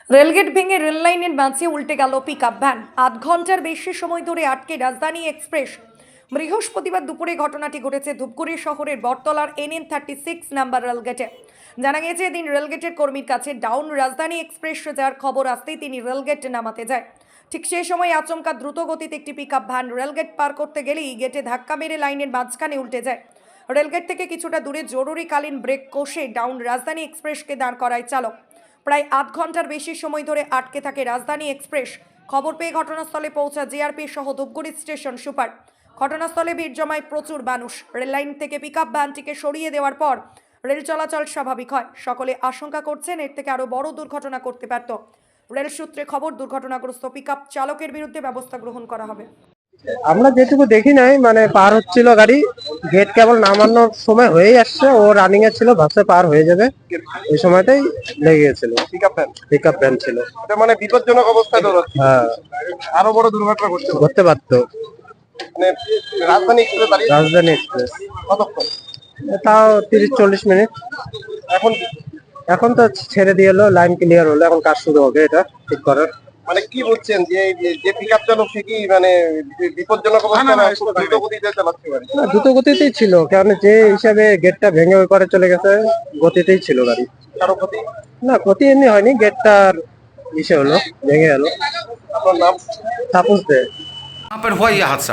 Rail gate ভেঙে রেললাইনের মাঝে উল্টে গেল পিকআপ ভ্যান। আধ ঘন্টার বেশি সময় ধরে আটকে রাজধানী এক্সপ্রেস। বৃহস্পতিবার দুপুরে ঘটনাটি ঘটেছে ধূপগুড়ি শহরের বটতলার NN36 নাম্বার রেলগেটে। জানা গিয়েছে এদিন রেলগেটের কর্মীর কাছে ডাউন রাজধানী এক্সপ্রেস যার খবর আসতেই তিনি রেলগেট নামাতে যায়। ঠিক সেই সময় আচমকা দ্রুত গতিতে একটি পিকআপ ভ্যান রেলগেট পার করতে গেলেই গেটে ধাক্কা মেরে লাইনের মাঝখানে উল্টে যায়। রেলগেট থেকে কিছুটা দূরে জরুরিকালীন ব্রেক কষে ডাউন রাজধানী এক্সপ্রেসকে দাঁড় করায় চালক। প্রায় আধ ঘন্টার বেশি সময় ধরে আটকে থাকে রাজধানী এক্সপ্রেস। খবর পেয়ে ঘটনাস্থলে পৌঁছা জিআরপি সহ ধূপগুড়ি স্টেশন সুপার। ঘটনাস্থলে ভিড় জমায় প্রচুর মানুষ। রেললাইন থেকে পিকআপ ভ্যানটিকে সরিয়ে দেওয়ার পর রেল চলাচল স্বাভাবিক হয়। সকলে আশঙ্কা করছেন এর থেকে আরও বড় দুর্ঘটনা করতে পারত। রেল সূত্রে খবর, দুর্ঘটনাগ্রস্ত পিকআপ চালকের বিরুদ্ধে ব্যবস্থা গ্রহণ করা হবে। আমরা যেটুকু দেখি নাই, মানে পার হচ্ছিল গাড়ি, গেট কেবল নামানোর সময় হয়েই আসছে, ও রানিং এ ছিল, ভাবছে পার হয়ে যাবে, ওই সময়তেই লেগে গেছিল। পিকআপ ভ্যান ছিল, এটা মানে বিপজ্জনক অবস্থায় দৌড়াচ্ছে। হ্যাঁ, আরো বড় দুর্ঘটনা ঘটতে পারতো। মানে রাজধানী এক্সপ্রেস দাঁড়িয়ে রাজধানী এক্সপ্রেস কতক্ষণ? তাও 30-40 মিনিট। এখন এখন তো ছেড়ে দিয়ে এলো, লাইন ক্লিয়ার হলো, এখন কাজ শুরু হবে এটা ঠিক করার। মানে কি বলছেন যে যে পিকআপ চালক সে কি মানে বিপজ্জনক অবস্থায় না দ্রুত গতিতে চালাচ্ছে গাড়ি? না, দ্রুত গতিতেই ছিল, কারণ যে হিসাবে গেটটা ভেঙে ওই পারে চলে গেছে, গতিতেই ছিল গাড়ি। কারো ক্ষতি? না, ক্ষতি এমনি হয়নি, গেটটার ইসে হলো, ভেঙে গেল। আপনার নাম? তাপস দে। कहाँ पर हुआ ये हादसा?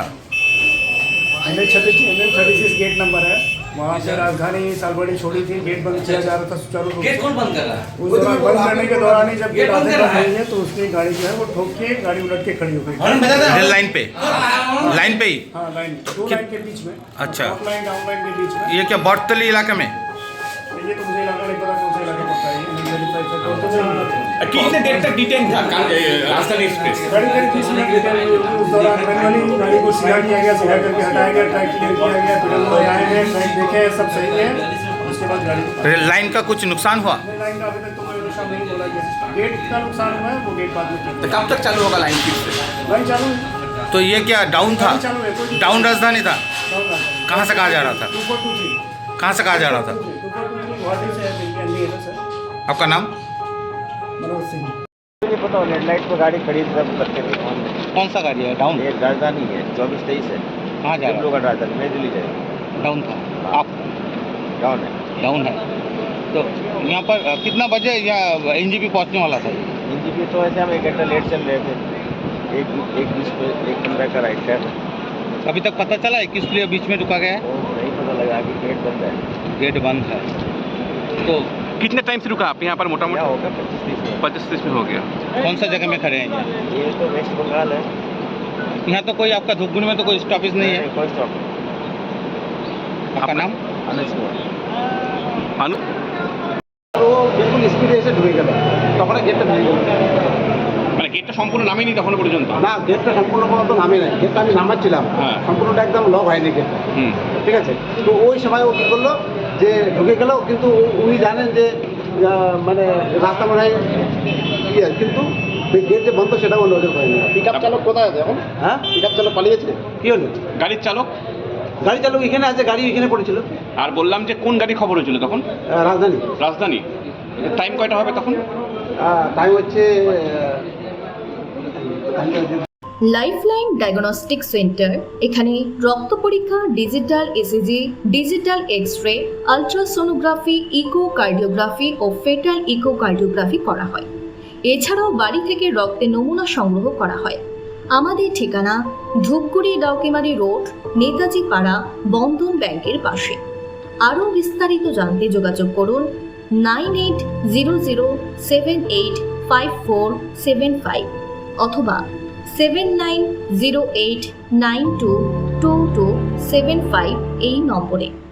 NN36 गेट नंबर है, वहाँ से राजधानी सालबड़ी छोड़ी थी, गेट बंद किया जा रहा था सुचारू रूप से। गेट कौन बंद कर रहा है? उस दौरान बंद करने के दौरान ही जब गेट आधे बंद हुई है तो उसकी गाड़ी जो है वो ठोक के गाड़ी उलट के खड़ी हो गई। रेल लाइन पे ही? हाँ, लाइन दो लाइन के बीच में। अच्छा। अप लाइन डाउन लाइन के बीच में। ये क्या बटतली इलाके में? ये तो मुझे इलाका नहीं पता कौन सा इलाका पड़ता है, ये वेरीफाई कर तो कितने देर तक डिटेन था राजधानी एक्सप्रेस? गाड़ी करीब 30 मिनट डिटेन हुई। उस दौरान मैनुअली गाड़ी को सीधा किया गया, सीधा करके हटाया गया, ट्रैक क्लियर किया गया, फिर हम लोग आएंगे, ट्रैक देखे, सब सही है, उसके बाद गाड़ी रेल लाइन का कुछ नुकसान हुआ? लाइन का अभी तक तो कोई नुकसान नहीं बोला गया। गेट का नुकसान हुआ है, वो गेट बाद में तो कब तक चालू होगा लाइन की? लाइन चालू है, तो ये क्या डाउन था? चालू है, कोई डाउन राजधानी था? कहाँ से कहाँ जा रहा था? 2423 कहाँ से कहाँ जा रहा था? 2423 गुवाहाटी से है सर। आपका नाम? मनोज सिंह। मुझे पता रेड लाइट पर गाड़ी खड़ी सब करते थे। कौन सा गाड़ी है? डाउन? एक राजधानी है 2423 है। कहाँ जा रहा का राजधानी नई दिल्ली जाएगी। है? डाउन था? आप डाउन है। डाउन है तो यहाँ पर कितना बजे या NGP पहुँचने वाला था? एनजीपी तो ऐसे हम 1 घंटा लेट चल रहे थे। एक बीच पे एक घंटा का राइट है, अभी तक पता चला है किस लिए बीच में रुका गया है? वो नहीं पता लगा कि गेट बंद है। गेट बंद है तो कितने टाइम से रुका आप यहाँ पर? मोटा क्या मोटा होगा 25-30 में। 25-30 में हो गया। कौन सा जगह में खड़े हैं ये? ये तो वेस्ट बंगाल है। यहाँ तो कोई आपका धूपगुड़ी में तो कोई स्टॉपेज नहीं है? कोई स्टॉप। आपका नाम? अनुज कुमार। अनु वो बिल्कुल स्पीड से ढुके गए, তখন গেটটা ভেঙে গেল। মানে গেটটা সম্পূর্ণ নামেনি তখন পর্যন্ত? না, গেটটা সম্পূর্ণ পর্যন্ত নামে নাই, গেটটা আমি নামাচ্ছিলাম, হ্যাঁ। সম্পূর্ণটা একদম লক হয়নি গেটটা। হুম। ঠিক আছে, তো ওই সময় ও কী করলো যে ঢুকে গেল, কিন্তু উনি জানেন যে মানে রাস্তা মনে হয় ইয়ে, কিন্তু গেট যে বন্ধ সেটাও নজর করেনি। পিকআপ চালক কোথায় আছে এখন? হ্যাঁ, পিকআপ চালক পালিয়েছে। কী হলো? গাড়ির চালক? গাড়ি চালক এখানে আছে, গাড়ি এখানে পড়েছিল। আর বললাম যে কোন গাড়ি খবর হয়েছিল তখন? রাজধানী। রাজধানী। টাইম কয়টা হবে তখন? টাইম হচ্ছে লাইফলাইন ডায়াগনস্টিক সেন্টার। এখানে রক্ত পরীক্ষা, digital ECG, digital x-ray, ultrasonography, echocardiography ও ফেটাল ইকোকার্ডিওগ্রাফি করা হয়। এছাড়াও বাড়ি থেকে রক্তের নমুনা সংগ্রহ করা হয়। আমাদের ঠিকানা ধূপগুড়ি ডাউকিমারি রোড, নেতাজি পাড়া, বন্ধন ব্যাংকের পাশে। আরও বিস্তারিত জানতে যোগাযোগ করুন 9800785475 অথবা 7908922275 এই নম্বরে।